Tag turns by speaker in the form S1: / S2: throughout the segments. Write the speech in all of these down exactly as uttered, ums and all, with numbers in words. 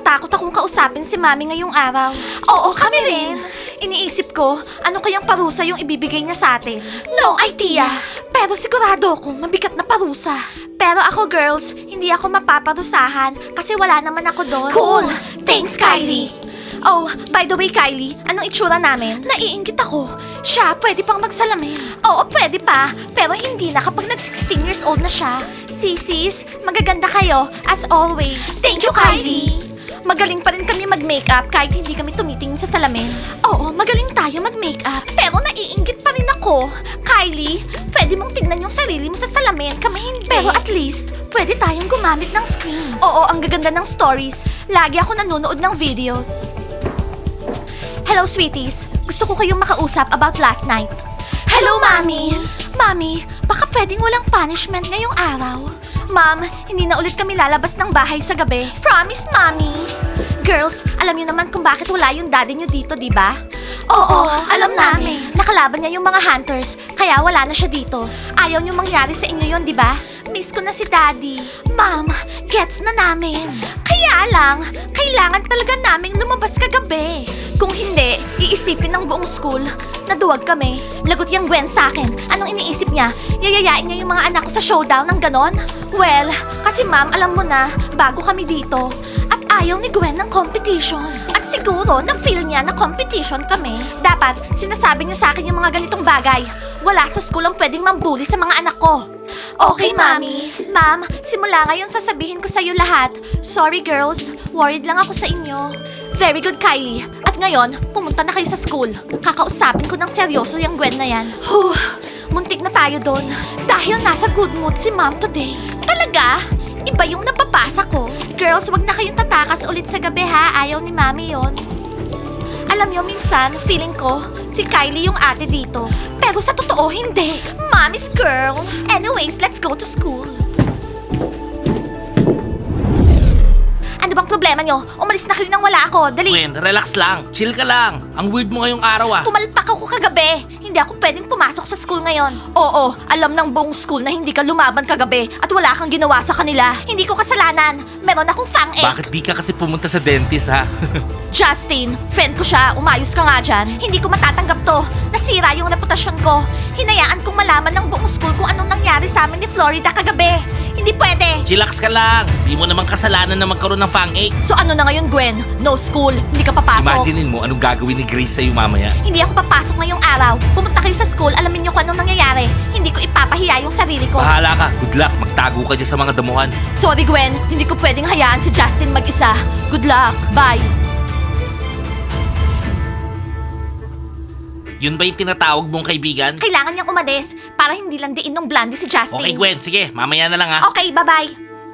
S1: natatakot akong kausapin si Mami ngayong araw. Oo, kami rin. Iniisip ko, ano kayang parusa yung ibibigay niya sa atin? No idea! Pero sigurado ako, mabigat na parusa. Pero ako, girls, hindi ako mapaparusahan kasi wala naman ako doon. Cool! Thanks, Kylie! Oh, by the way, Kylie, anong itsura namin? Naiinggit ako. Siya, pwede pang magsalamin. Oo, pwede pa. Pero hindi na kapag nag-sixteen years old na siya. Sisis, magaganda kayo, as always. Thank you, Kylie! Magaling pa rin kami mag-makeup kahit hindi kami tumitingin sa salamin. Oo, magaling tayo mag-makeup. Pero naiinggit pa rin ako. Kylie, pwede mong tignan yung sarili mo sa salamin. Kami hindi. Pero at least, pwede tayong gumamit ng screens. Oo, ang gaganda ng stories. Lagi ako nanonood ng videos. Hello, sweeties. Gusto ko kayong makausap about last night. Hello, Mami! Mami, baka pwedeng walang punishment ngayong araw. Ma'am, hindi na ulit kami lalabas ng bahay sa gabi. Promise, Mami! Girls, alam niyo naman kung bakit wala yung daddy niyo dito, di ba? Oo, alam namin. Nakalaban niya yung mga hunters, kaya wala na siya dito. Ayaw niyo mangyari sa inyo yon, di ba? Miss ko na si Daddy. Ma'am, gets na namin. Kaya lang, kailangan talaga naming lumabas kagabi. Kung hindi, iisipin ng buong school na duwag kami. Lagot yung Gwen sa akin. Anong iniisip niya? Yayayain niya yung mga anak ko sa showdown ng ganon? Well, kasi ma'am, alam mo na, bago kami dito. At ayaw ni Gwen ng competition. At siguro, na-feel niya na competition kami. Dapat, sinasabi niyo sa akin yung mga ganitong bagay. Wala sa school ang pwedeng mambuli sa mga anak ko. Okay, Mami. Ma'am, simula ngayon sasabihin ko sa'yo lahat. Sorry, girls. Worried lang ako sa inyo. Very good, Kylie. At ngayon, pumunta na kayo sa school. Kakausapin ko ng seryoso yung Gwen na yan. Huh, muntik na tayo doon. Dahil nasa good mood si Mom today. Talaga? Iba yung napapasa ko. Girls, wag na kayong tatakas ulit sa gabi ha. Ayaw ni Mami yon. Alam niyo, minsan, feeling ko, si Kylie yung ate dito. Pero sa totoo, hindi. Mommy's girl. Anyways, let's go to school. Ano bang problema niyo? Umalis na kayo nang wala ako. Dali.
S2: Gwen, relax lang. Chill ka lang. Ang weird mo ngayong araw ah.
S1: Pumalpak ako kagabi. Hindi ako pwedeng pumasok sa school ngayon. Oo, alam ng buong school na hindi ka lumaban kagabi at wala kang ginawa sa kanila. Hindi ko kasalanan. Meron akong fang-ache.
S2: Bakit di ka kasi pumunta sa dentist ha?
S1: Justin, friend ko siya. Umayos ka nga dyan. Hindi ko matatanggap to. Nasira yung reputasyon ko. Hinayaan kong malaman ng buong school kung anong nangyari sa amin ni Florida kagabi. Hindi pwede.
S2: Chillax ka lang. Di mo naman kasalanan na magkaroon ng fang-ache.
S1: So ano na ngayon, Gwen? No school. Hindi ka papasok.
S2: Imaginein mo anong gagawin ni Grace sa'yo mamaya.
S1: Hindi ako papasok ngayong araw. Pumunta kayo sa school, alamin niyo kung anong nangyayari. Hindi ko ipapahiya yung sarili ko.
S2: Bahala ka. Good luck. Magtago ka dyan sa mga damuhan.
S1: Sorry, Gwen. Hindi ko pwedeng hayaan si Justin mag-isa. Good luck. Bye.
S2: Yun ba yung tinatawag mong kaibigan?
S1: Kailangan niyang umalis para hindi lang diin ng blondie si Justin.
S2: Okay, Gwen. Sige, mamaya na lang ha.
S1: Okay, bye-bye.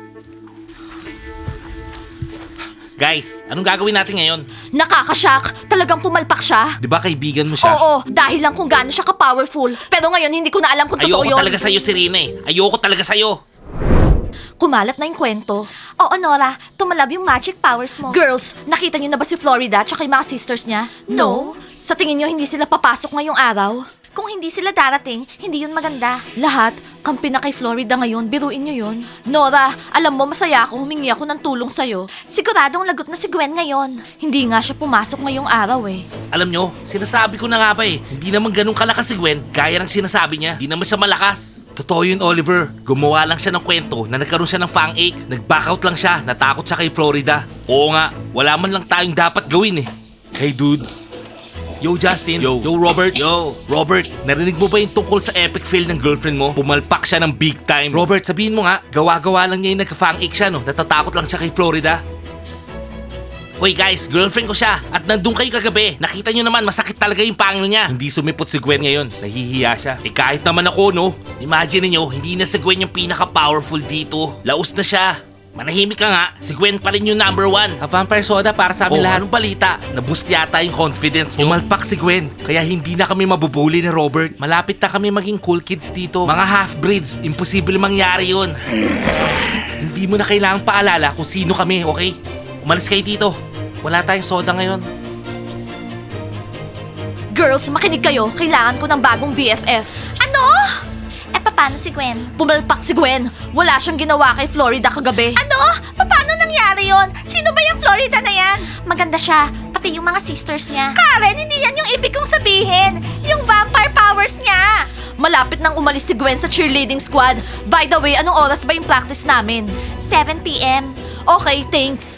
S2: Guys, anong gagawin natin ngayon?
S1: Nakakashock. Talagang pumalpak siya.
S2: Di ba kaibigan mo siya?
S1: Oo, dahil lang kung gaano siya ka-powerful. Pero ngayon, hindi ko na alam kung totoo
S2: Ayoko
S1: yun.
S2: talaga sa'yo, Serena eh. Ayoko talaga sa'yo.
S1: Kumalat na yung kwento. Oo, Nora, tumalab yung magic powers mo. Girls, nakita niyo na ba si Florida at yung mga sisters niya? No. Sa tingin niyo hindi sila papasok ngayong araw? Kung hindi sila darating, hindi yun maganda. Lahat, kampi na kay Florida ngayon, biruin niyo yun. Nora, alam mo, masaya ako, humingi ako ng tulong sa'yo. Siguradong lagot na si Gwen ngayon. Hindi nga siya pumasok ngayong araw eh.
S2: Alam nyo, sinasabi ko na nga ba eh. Hindi naman ganun kalakas si Gwen, gaya ng sinasabi niya. Hindi naman siya malakas. Totoo yun, Oliver. Gumawa lang siya ng kwento na nagkaroon siya ng fang-ache. Nag-backout lang siya, natakot siya kay Florida. Oo nga, wala man lang tayong dapat gawin eh. Hey dudes. Yo Justin. Yo. Yo Robert. Yo. Robert, narinig mo ba yung tungkol sa epic fail ng girlfriend mo? Pumalpak siya ng big time. Robert, sabihin mo nga, gawa-gawa lang niya yung nagka-fang-ache siya no? Natatakot lang siya kay Florida. Hoy guys, girlfriend ko siya at nandun kayo kagabi. Nakita nyo naman, masakit talaga yung pangil niya. Hindi sumipot si Gwen ngayon, nahihiya siya. Eh kahit naman ako no, imagine niyo, hindi na si Gwen yung pinaka-powerful dito. Laos na siya. Manahimik ka nga, si Gwen pa rin yung number one. A vampire soda para sa amin
S3: Oh,
S2: lahat. Anong balita? Naboost yata yung confidence nyo. Umalpak si Gwen, kaya hindi na kami mabubuli ni Robert. Malapit na kami maging cool kids dito. Mga half-breeds, imposible mangyari yun. Hindi mo na kailangang paalala kung sino kami, okay? Umalis kayo dito. Wala tayong soda ngayon.
S1: Girls, makinig kayo. Kailangan ko ng bagong B F F. Ano? Eh, paano si Gwen? Pumalpak si Gwen. Wala siyang ginawa kay Florida kagabi. Ano? Paano nangyari yon? Sino ba yung Florida na yan? Maganda siya, pati yung mga sisters niya. Karen, hindi yan yung ibig kong sabihin. Yung vampire powers niya. Malapit nang umalis si Gwen sa cheerleading squad. By the way, anong oras ba yung practice namin? seven p m Okay, thanks.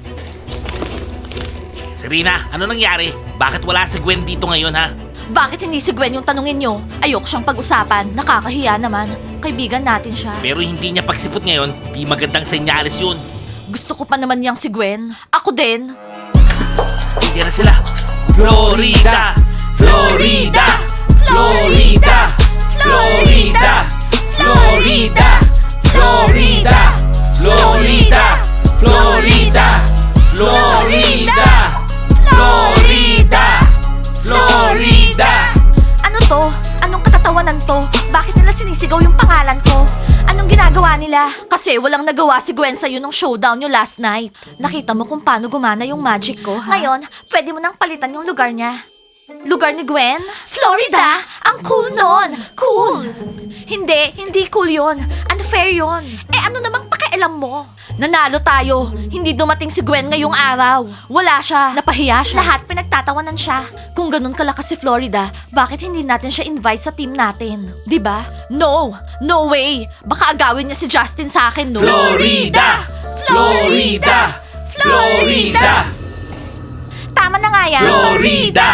S2: Serena, ano nangyari? Bakit wala si Gwen dito ngayon ha?
S1: Bakit hindi si Gwen yung tanungin nyo? Ayoko siyang pag-usapan. Nakakahiya naman. Kaibigan natin siya.
S2: Pero hindi niya pagsipot ngayon, di magandang senyales yun.
S1: Gusto ko pa naman yang si Gwen. Ako din.
S2: Hindi na sila. Florida! Florida! Florida! Florida! Florida! Florida! Florida! Florida! Florida! Florida! Florida!
S1: Ano to? Anong katatawanan to? Bakit nila sinisigaw yung pangalan ko? Anong ginagawa nila? Kasi walang nagawa si Gwen sa'yo nung showdown nyo last night. Nakita mo kung paano gumana yung magic ko, ha? Ngayon, pwede mo nang palitan yung lugar niya. Lugar ni Gwen? Florida? Ang cool nun! Cool! Hindi, hindi cool yon. Unfair yon. Eh ano namang pakialam mo? Nanalo tayo. Hindi dumating si Gwen ngayong araw. Wala siya. Napahiya siya. Lahat pinagtatawanan siya. Kung ganun kalakas si Florida, bakit hindi natin siya invite sa team natin? 'Di ba? No! No way! Baka agawin niya si Justin sa akin, no?
S2: Florida! Florida! Florida!
S1: Tama na nga yan.
S2: Florida!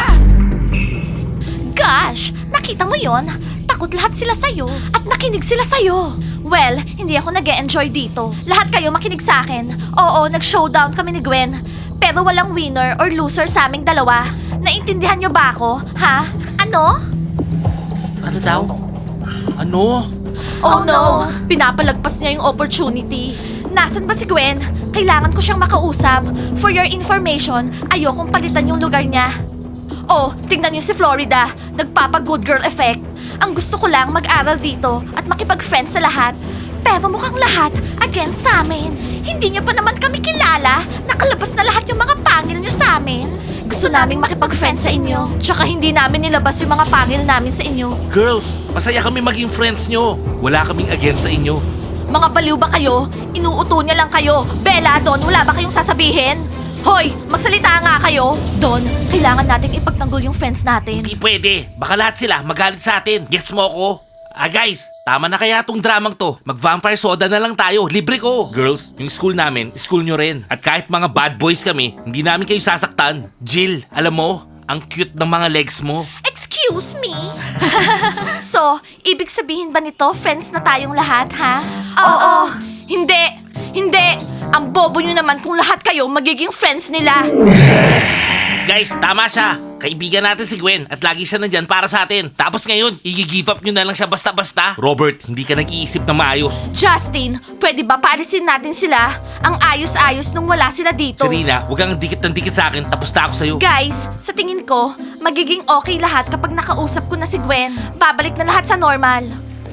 S1: Gosh! Nakita mo yon? Takot lahat sila sa'yo. At nakinig sila sa'yo. Well, hindi ako nag-e-enjoy dito. Lahat kayo makinig sa akin. Oo, nag-showdown kami ni Gwen. Pero walang winner or loser sa aming dalawa. Naintindihan niyo ba ako? Ha? Ano?
S2: Ano daw? Ano?
S1: Oh no! Pinapalagpas niya yung opportunity. Nasaan ba si Gwen? Kailangan ko siyang makausap. For your information, ayokong palitan yung lugar niya. Oh, tingnan niyo si Florida. Nagpapa-good girl effect. Ang gusto ko lang mag-aral dito at makipag-friends sa lahat. Pero mukhang lahat against sa amin. Hindi niyo pa naman kami kilala. Nakalabas na lahat yung mga pangil niyo sa amin. Gusto naming makipag-friends sa inyo. Tsaka hindi namin nilabas yung mga pangil namin sa inyo.
S2: Girls, masaya kami maging friends nyo. Wala kaming against sa inyo.
S1: Mga baliw ba kayo? Inuuto niya lang kayo. Bella, Don, wala ba kayong sasabihin? Hoy, magsalita nga kayo. Don, kailangan nating ipagtanggol yung friends natin.
S2: Hindi pwede. Baka lahat sila magalit sa atin. Gets mo ako? Ah guys, tama na kaya tong dramang to. Mag-vampire soda na lang tayo. Libre ko. Girls, yung school namin, school nyo rin. At kahit mga bad boys kami, hindi namin kayo sasaktan. Jill, alam mo, ang cute ng mga legs mo.
S1: Excuse me? So, ibig sabihin ba nito, friends na tayong lahat, ha? Oo. Hindi. Hindi. Ang bobo nyo naman kung lahat kayo magiging friends nila.
S2: Guys, tama siya. Kaibigan natin si Gwen at lagi siya nandyan para sa atin. Tapos ngayon, i-give up nyo na lang siya basta-basta. Robert, hindi ka nag-iisip na maayos.
S1: Justin, pwede ba paalisin natin sila? Ang ayos-ayos nung wala sila dito.
S2: Serena, huwag kang dikit ng dikit sa akin. Tapos na ako sa'yo.
S1: Guys, sa tingin ko, magiging okay lahat kapag nakausap ko na si Gwen. Babalik na lahat sa normal.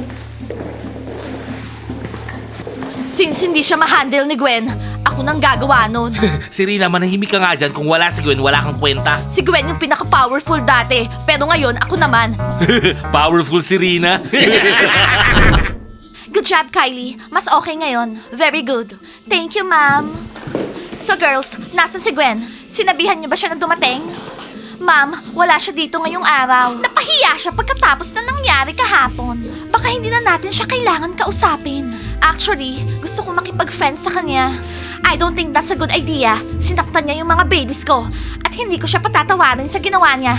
S1: Since hindi siya ma-handle ni Gwen, ako nang gagawa nun.
S2: Serena, manahimik ka nga dyan. Kung wala si Gwen, wala kang kwenta.
S1: Si Gwen yung pinaka-powerful dati, pero ngayon ako naman.
S2: Powerful Serena.
S1: Good job, Kylie. Mas okay ngayon. Very good. Thank you, ma'am. So girls, nasan si Gwen? Sinabihan niyo ba siya na dumating? Ma'am, wala siya dito ngayong araw. Napahiya siya pagkatapos na nangyari kahapon. Baka hindi na natin siya kailangan kausapin. Actually, gusto ko makipag-friends sa kanya. I don't think that's a good idea. Sinaktan niya yung mga babies ko. At hindi ko siya patatawarin sa ginawa niya.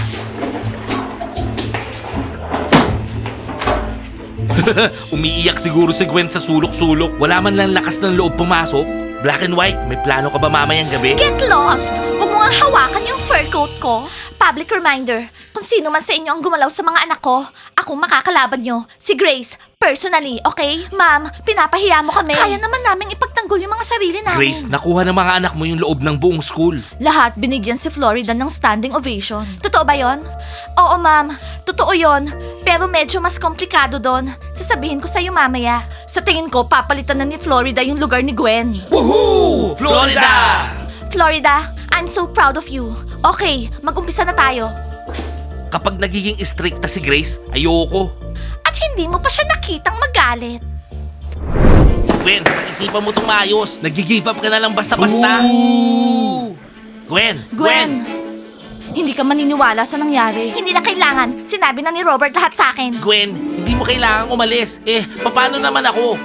S2: Umiiyak siguro si Gwen sa sulok-sulok. Wala man lang lakas ng loob pumasok. Black and white, may plano ka ba mamayang gabi?
S1: Get lost! Huwag mo nga hawakan yung fur coat ko. Public reminder, kung sino man sa inyo ang gumalaw sa mga anak ko, akong makakalaban nyo. Si Grace, personally, okay? Ma'am, pinapahiya mo kami. Kaya naman namin ipagtanggol yung mga sarili namin.
S2: Grace, nakuha ng mga anak mo yung loob ng buong school.
S1: Lahat binigyan si Florida ng standing ovation. Totoo ba yon? Oo, ma'am. Totoo yon. Pero medyo mas komplikado doon. Sasabihin ko sa'yo mamaya. Sa tingin ko, papalitan na ni Florida yung lugar ni Gwen.
S2: Woohoo! Florida!
S1: Florida, I'm so proud of you. Okay, mag-umpisa na tayo.
S2: Kapag nagiging strict na si Grace, ayoko.
S1: At hindi mo pa siya nakitang magalit.
S2: Gwen, isipan mo itong maayos. Nag-give up ka na lang basta-basta. Gwen!
S1: Gwen! Hindi ka maniniwala sa nangyari. Hindi na kailangan. Sinabi na ni Robert lahat sa akin.
S2: Gwen, hindi mo kailangang umalis. Eh, paano naman ako?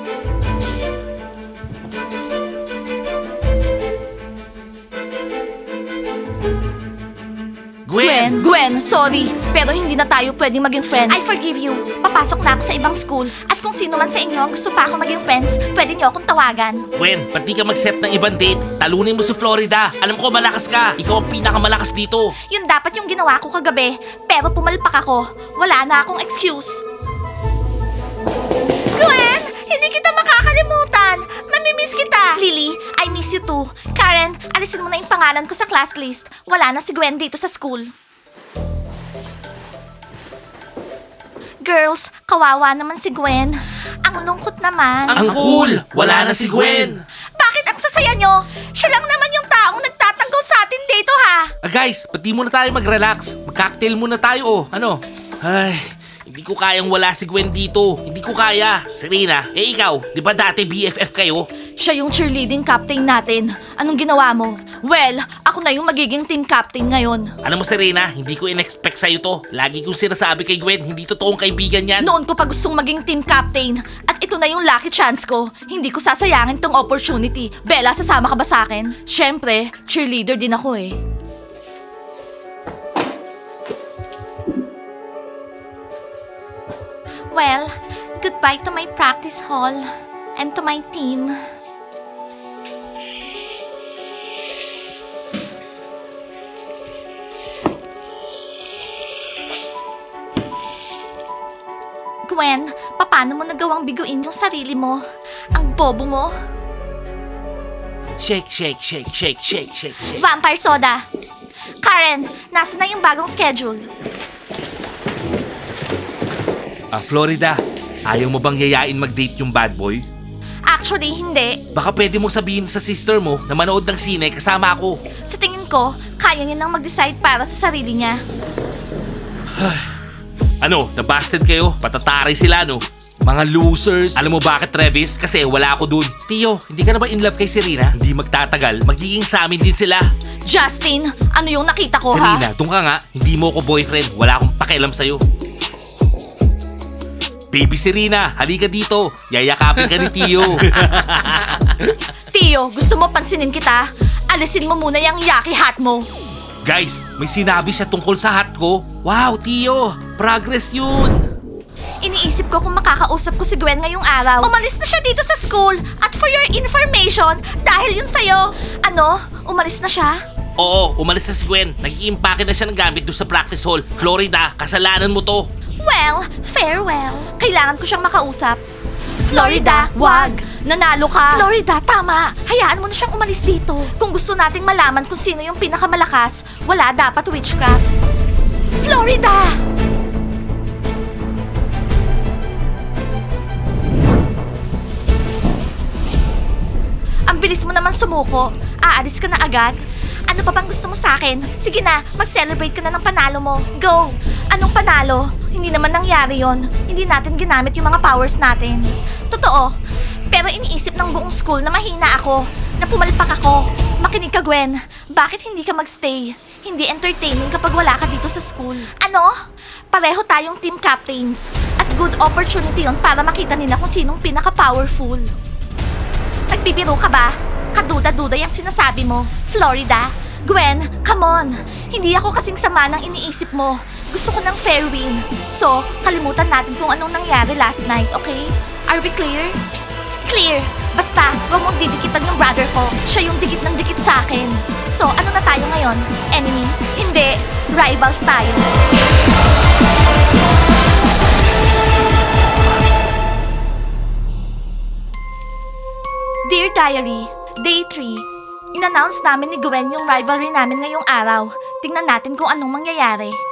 S2: Gwen!
S1: Gwen, sorry. Pero hindi na tayo pwedeng maging friends. I forgive you. Papasok na ako sa ibang school. At kung sino man sa inyo ang gusto pa ako maging friends, pwede niyo akong tawagan.
S2: Gwen, ba't di ka mag-accept ng ibang date? Talunin mo si Florida. Alam ko malakas ka. Ikaw ang pinakamalakas dito.
S1: Yun dapat yung ginawa ko kagabi. Pero pumalpak ako. Wala na akong excuse. Gwen! Hindi kita makakalimutan! Mamimiss kita! Lily, I miss you too. Karen, alisin mo na yung pangalan ko sa class list. Wala na si Gwen dito sa school. Girls, kawawa naman si Gwen. Ang lungkot naman.
S2: Ang cool! Wala na si Gwen.
S1: Bakit ang sasaya nyo? Siya lang naman yung taong nagtatanggol sa atin dito ha.
S2: Ah guys, ba't di muna tayo mag-relax? Mag-cocktail muna tayo oh. Ano? Ay, hindi ko kayang wala si Gwen dito. Hindi ko kaya. Serena, eh ikaw, di ba dati B F F kayo?
S1: Siya yung cheerleading captain natin. Anong ginawa mo? Well, ako na yung magiging team captain ngayon.
S2: Alam mo Serena, hindi ko in-expect sa'yo to. Lagi kong sinasabi kay Gwen, hindi totoong kaibigan yan.
S1: Noon ko pa gustong maging team captain. At ito na yung lucky chance ko. Hindi ko sasayangin tong opportunity. Bella, sasama ka ba sa akin? Siyempre, cheerleader din ako eh. Well, goodbye to my practice hall and to my team. Gwen, paano mo nagawang biguin yung sarili mo? Ang bobo mo.
S2: Shake, shake, shake, shake, shake, shake, shake.
S1: Vampire soda. Karen, nasa na yung bagong schedule?
S2: Ah, Florida, ayaw mo bang yayain mag-date yung bad boy?
S1: Actually, hindi.
S2: Baka pwede mo sabihin sa sister mo na manood ng sine kasama ako.
S1: Sa tingin ko, kaya niya nang mag-decide para sa sarili niya.
S2: Ano, nabasted kayo? Patatari sila, no? Mga losers. Alam mo bakit, Travis? Kasi wala ako dun. Tio, hindi ka na ba in love kay Serena? Hindi magtatagal. Magiging sa amin din sila.
S1: Justin, ano yung nakita ko
S2: Serena,
S1: ha?
S2: doon ka nga. Hindi mo ko boyfriend. Wala akong pakialam sa'yo. Baby Serena, halika dito. Yayakapin ka ni Tio.
S1: Tio, gusto mo pansinin kita? Alisin mo muna yung yaki hat mo.
S2: Guys, may sinabi siya tungkol sa hat ko. Wow, Tio. Progress yun.
S1: Iniisip ko kung makakausap ko si Gwen ngayong araw. Umalis na siya dito sa school. At for your information, dahil yun sa'yo. Ano? Umalis na siya?
S2: Oo, umalis na si Gwen. Nag-iimpake na siya ng gamit doon sa practice hall. Florida, kasalanan mo to.
S1: Well, farewell. Kailangan ko siyang makausap. Florida, wag! Nanalo ka! Florida, tama! Hayaan mo na siyang umalis dito. Kung gusto nating malaman kung sino yung pinakamalakas, wala dapat witchcraft. Florida! Ang bilis mo naman sumuko. Aalis ka na agad? Ano pa bang gusto mo sa akin? Sige na, mag-celebrate ka na ng panalo mo. Go! Anong panalo? Hindi naman nangyari yon. Hindi natin ginamit yung mga powers natin. Totoo. Pero iniisip ng buong school na mahina ako. Na pumalpak ako. Makinig ka, Gwen. Bakit hindi ka magstay? Hindi entertaining kapag wala ka dito sa school. Ano? Pareho tayong team captains. At good opportunity yon para makita nila kung sinong pinaka-powerful. Nagbibiro ka ba? Kaduda-duda yung sinasabi mo. Florida? Gwen, come on! Hindi ako kasing sama ng iniisip mo. Gusto ko ng fair win. So, kalimutan natin kung anong nangyari last night, okay? Are we clear? Clear! Basta, huwag mong didikitan yung brother ko. Siya yung dikit ng dikit sa akin. So, ano na tayo ngayon? Enemies? Hindi. Rivals tayo. Dear Diary, Day three. In-announce namin ni Gwen yung rivalry namin ngayong araw. Tingnan natin kung anong mangyayari.